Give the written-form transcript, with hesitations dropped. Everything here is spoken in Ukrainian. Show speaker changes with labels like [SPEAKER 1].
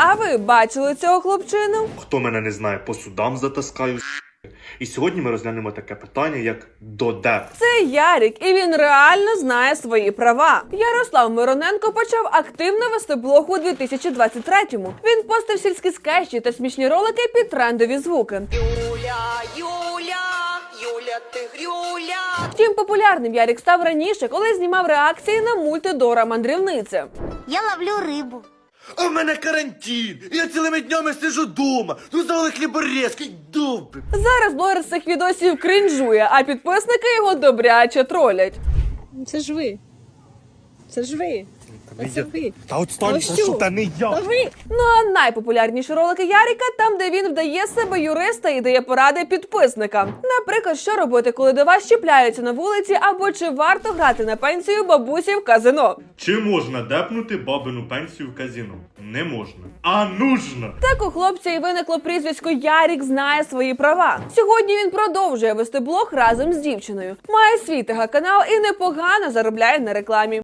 [SPEAKER 1] А ви бачили цього хлопчину?
[SPEAKER 2] Хто мене не знає, по судам затаскаю. І сьогодні ми розглянемо таке питання, як додеп.
[SPEAKER 1] Це Ярік, і він реально знає свої права. Ярослав Мироненко почав активно вести блог у 2023-му. Він постив сільські скетчі та смішні ролики під трендові звуки.
[SPEAKER 3] Юля, ти грюля.
[SPEAKER 1] Втім, популярним Ярік став раніше, коли знімав реакції на мульти Дора Мандрівниця.
[SPEAKER 4] Я ловлю рибу.
[SPEAKER 5] А в мене карантин, я цілими днями сижу дома. Ну завали хліборезки, добре.
[SPEAKER 1] Зараз блогер з цих відосів крінжує, а підписники його добряче тролять.
[SPEAKER 6] Це ж ви. Це ж ви. Це ви.
[SPEAKER 5] Та отстань,
[SPEAKER 6] що?
[SPEAKER 5] прошу, та не я.
[SPEAKER 6] Та ви.
[SPEAKER 1] Ну а найпопулярніші ролики Яріка там, де він вдає себе юриста і дає поради підписникам. Наприклад, що робити, коли до вас чіпляються на вулиці, або чи варто грати на пенсію бабусі в казино.
[SPEAKER 2] Чи можна депнути бабину пенсію в казино? Не можна. А нужно!
[SPEAKER 1] Так у хлопця і виникло прізвисько Ярік знає свої права. Сьогодні він продовжує вести блог разом з дівчиною. Має свій ТГ-канал і непогано заробляє на рекламі.